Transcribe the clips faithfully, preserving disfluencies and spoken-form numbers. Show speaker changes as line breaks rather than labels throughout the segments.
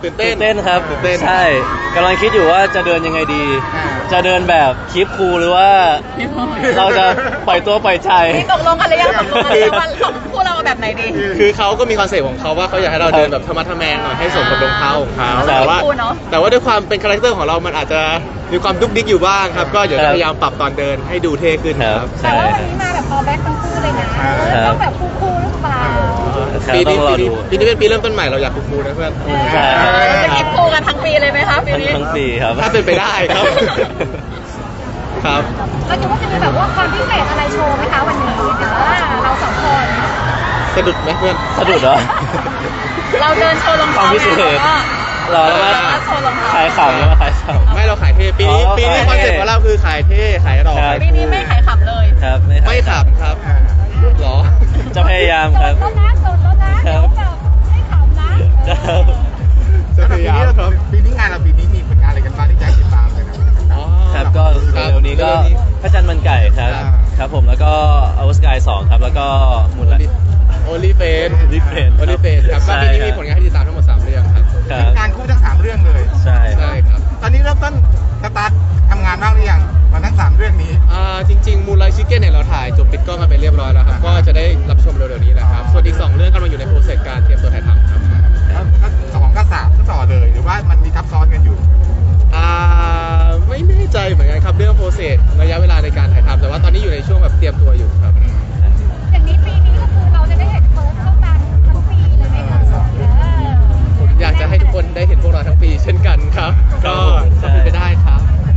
ตื่นเต้น
เต้นครับ
ตื่นเต้น
ใช่กำลังคิดอยู่ว่าจะเดินยังไงดี จะเดินแบบคลิปคูลหรือว่าเราจะปล่อยตัวปล่อยใจ
นี่ตกลงกันหรือยังตกลงกันหรือยังว่าของพวกเราแบบไหนดี
คือเขาก็มีคอนเซ็ปต์ของเขาว่าเขาอยากให้เราเดินแบบธรรมะทะแมงหน่อยให้สมกับรองเท้าของเขา
ครับ
แต่ว่า
คูลเนอะ
แต่ว่าด้วยความเป็นคาแรคเตอร์ของเรามันอาจจะมีความดุ๊กดิ๊กอยู่บ้างครับ ก็เดี๋ยว
ครั
จะ
บ
พยายามปรับตอนเดินให้ดูเท่ขึ้น
ค
ค
รั
รั
บบ
แต่
ใช่
ว่าวัน
ครับ
นี้มาแบบออแบ็คทั้งคู่เลยนะ
ครับ
ต้องแบบคู่ๆหรือเปล่า
ครับ
ปี
ต้อ
นี้
งรอ
ปี
ดู
นี้ปีนี้เป็นปีเริ่มต้นใหม่เราอยากคูลๆนะเพื่อน
ใช่
เราจะกินคูกันทั้งปีเลยไหมคะปี
ทั้ง
นี้
ทั้งปีครับ
ถ้าเป็นไปได้ครับ ครับ
เราคิดว่าจะมีแบบว่าความพิเศษอะไรโชว์ไหมคะวันนี้เดี๋ยวเราสองคน
สะดุดไหมเพื่อน
สะดุดเหรอ
เราเดินโชว์รอง
ควา
เท้าม
พิเศษ
แล้วก็
รอแล้วมา
โชว์รองเท้า
ขายขำแล้วมาขายขำ
ไม่เราขายเท่ปีนี้
อ๋อ
ปีนี้
ขาย
คอน
เท่
เซ็ปต์ของเราคือขายเท่ขายหล่อ
ครับ
ขาย
ปีนี้ไม่ขายขำเลย
ครับ
ไม่ขำครับหรอ
จะพยายาม
โส
ครั
ด
บ
แล้วนะโสดแล้วนะเดี๋ยวแบบให้ขำนะ
ครับ
จะพยายามครับ
ปีนี้งานเราปีนี้มีผลงานอะไรกันบ้างที่จะให้ติดตามเลยนะ
อ๋อ
ครับก็
ครับ
เร็วๆนี้ก็
เร็วๆนี้
พระจันทร์มันไก่ครับ
อ่า
ครับผมแล้วก็อวสกายสองครับแล้วก็มูลละ
โอลิเฟน
Only Friends
โอลิเฟนครับก็
ใช่
ปีนี้
ครับ
มีผลงานให้ติดตามทั้งหมดสามเรื่องครับ
ครับ
งานคู่ทั้งสามเรื่องเลย
ใช่
ใช่ครับ
ตอนนี้เริ่มต้นสตาร์ททำงานบ้างหรือยังมาทั้งสามเรื่องนี้
อ่าจริงๆมูลไลชิคเก้นเนี่ยเราถ่ายจบปิดกล้องกันไปเรียบร้อยแล้วครับ ก็จะได้รับชมเร็วๆนี้แหละครับ ส่วนอีกสองเรื่องกำลังอยู่ในโปรเซสการเตรียมตัวถ่ายทำครับ
ก็สองก็สามก็ต่อเลยหรือว่ามันมีทับซ้อนกันอยู่
อ่าไม่แน่ใจเหมือนกันครับเรื่องโปรเซสระยะเวลาในการถ่ายทำแต่ว่าตอนนี้อยู่ในช่วงแบบเตรียมตัวอยู่ครับ
อย่างนี้ปีนี้ก็คือเราจะได้เห็นเฟิร์สเข้ากันทั้งปีเลยไหมคะเออ
ผมอยากจะให้ทุกคนได้เห็นพวกเราทั้งปีเช่นกันครับ ก็
ใช่
ก็เป็นไปได้ครับ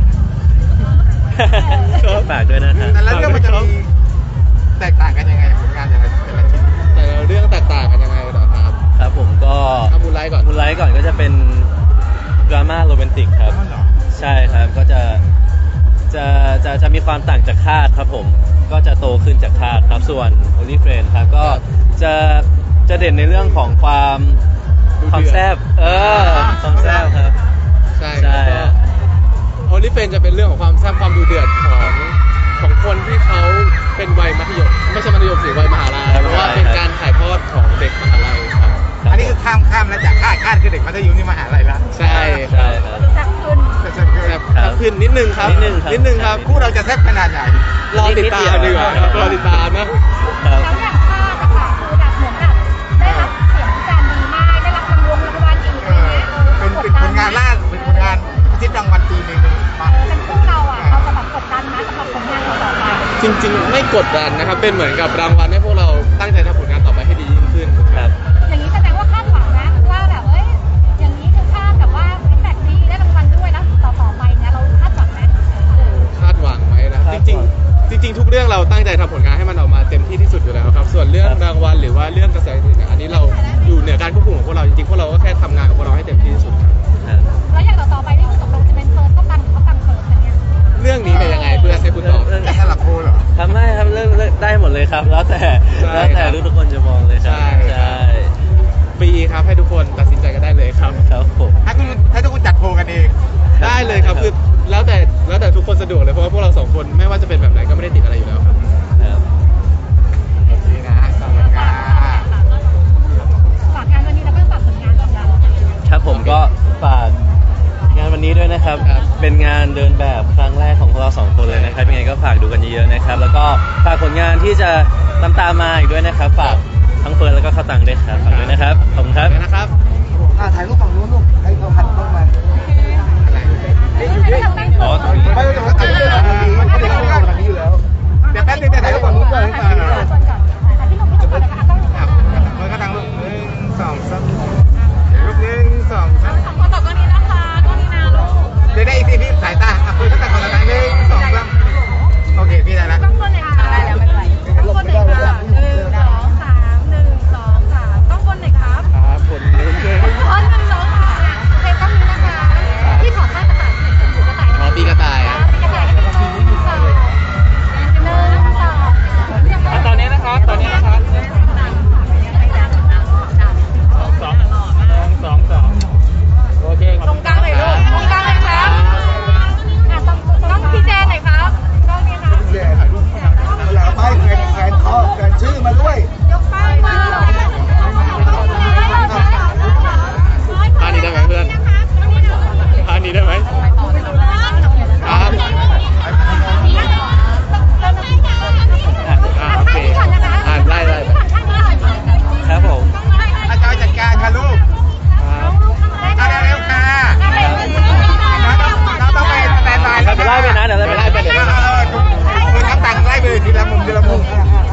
ฝากด้วยนะครับ
แต่ละเรื่องมันจะมีแตกต่างกันยังไงผลงานแต่ละแต่ละชิ้น
แต่ละเรื่องแตกต่างกันยังไงเหรอครับ
ครับผมก็
เอามูลไลท์ก่อน
มูลไลท์ก่อนก็จะเป็นดราม่าโรแมนติกครับ
อ๋อเหรอ
ใช่ครับก็จะจะจะจะมีความต่างจากคาดครับผมก็จะโตขึ้นจากคาดครับส่วน Only Friend ครับก็จะจะเด่นในเรื่องของความความแซ่บเออความแซ่บครับ
ใช่
ใช่
ครับโอลิเฟนจะเป็นเรื่องของความแซ่บความดูเดือดของของคนที่เขาเป็นวัยมัธยมไม่ใช่มัธยมสิวัยมหาลัยเพราะว่าเป็นการถ่ายทอดของเด็กมหาลัยครับ
อันนี้คือข้ามข้ามแล้วจากคาดคาดคือเด็กมัธยมนี่มหาลัยละ
ใช่ค
ใช่
รับ
ครับ
แซ่บขึ้น
แต่จะคือ
แซ่บครับขึ้นนิดนึงครับ
นิดนึงครับ
นิดนึงครับ
คู่เราจะแซ่บขนาดไหน
รอติดตามดีกว่าครับรอติดตามนะ
ครับ
แล้วอย่างภาพอะค่ะคือแบบเหมือนแบบได้รับเสียงแฟนดีมากได้รับรางวัลรางวัลอีก
เอ
อะไร
อ
เงี้ยเออ
เป็นเป็นผลงานล่าเป็นผลงานทิศรางวัลปีหนึ่งมา
เออเป็นคู่เราอะเราจะแบบกดดันนะสำหรับผลงานเราต่อไป
จริงๆ ไม่กดดันนะครับ เป็นเหมือนกับรางวัลให้พวกเราตั้งใจทำผลงานต่อไปให้ดียิ่งขึ้น
ครับ
อย่างนี้แสดงว่าคาดหวังนะว่าแบบเอ้ยอย่างนี้คือคาดแบบว่าฟีดแบ็กดีได้รางวัลด้วยแล้วต่อต่อไปเนี่ยเราคาดหวังไหมเออ
คาดหวังไว้นะ
คา
จ
ดหวัง
ริงๆ จริง ๆ ทุกเรื่องเราตั้งใจทำผลงานให้มันออกมาเต็มที่ที่สุดอยู่แล้วครับ ส่วนเรื่อง
ครับ
รางวัลหรือว่าเรื่องกระแสอื่นๆเนี่ยอันนี้เราอยู่เหนือการควบคุมของพวกเราจริงๆ พวกเราก็แค่ทำงานของพวกเราให้เต็มที่ที่สุดครับ
ครับ
แล้วอย่างต่อต่อไปนี่คือตกลงจะเป็นเฟิร์สเข้ากันหรือเข้ากันเฟิร์สกันเนี่ย
เรื่องนี้เป็นยังไงเพื่อนให้คุณตอบ
เรื่อง
จะสลับโพลเหรอ
ทำได้ครับเรื่องเรื่องได้หมดเลยครับ แล้วแต่
ใช่
แล้วแต่
ครับ
ทุกๆคนจะมองเลยครับ
ใช่ครับ
ใช่
ฟรีครับให้ทุกคนตัดสินใจกันได้เลยครับ
ครับผม
ให้คุณให้ทุกคนจัดโพลกันเอง
ได้เลยครับคือแล้วแต่แล้วแต่ทุกคนสะดวกเลยเพราะว่าพวกเราสองคนไม่ว่าจะเป็นแบบไหนก็ไม่ได้ติดอะไรอยู่แล้วครับ
ครับ
โอเคนะขอบคุณค่ะ
ฝากงานวันนี้แล้วก็ฝากผลงานของเรา
ครับผมก็ฝากงานวันนี้ด้วยนะครับ
ครับ
เป็นงานเดินแบบครั้งแรกของพวกเราสองคนเลยนะครับยังไงก็ฝากดูกันเยอะๆนะครับ แล้วก็ฝากผลงานที่จะตามตามๆมาอีกด้วยนะครับ ฝากทั้งเฟิร์นแล้วก็ข้าวตังด้วยครับฝากด้วยนะครับ ขอบคุณครับ
เดี๋ยวนะครับ
อ่าถ่ายรูปฝั่งนู้นลูกให้เขาหันเข้ามา
อ๋อ
ไม่ต้องถ่ายรูปฝั่งนี้ไม่ได้เข้าทางนี้อยู่แล้วเดี๋ยวแป๊บนึงจะถ่ายรูปฝั่งนู้นก่อน
ถ่ายที่หนุ่มก่อนถ่ายที่หนุ่มก่อนเลยค่ะต้อง
ครับมันก็ทางรูปหนึ่งสองสามรูปหนึ่งสองสาม
ขอตอบกล้องนี้นะคะกล้องนี้นะลูก
เดี๋ยวได้อีกทีพี่สายตาอ่ะคุยกันแต่ก่อนละหนึ่งสองสามโอเคพี่ได้แล้ว
ต้องคนเลยค่ะ
ได้แล้วไม่เป็นไร
ต้องคนเลยค่ะหนึ่งสองสามหนึ่งสองสามต้องคนเลยครับ
ครับผลเริ่มเลย
คนหนึ่งสองสามโอเคต้องนี้นะคะที่ขอท่ากระต่ายเสร็จถูกกระต่าย
อ๋อปีกระต่าย
ปีกระต่ายให้เป็นทีนี้สอง
เดือนละมุม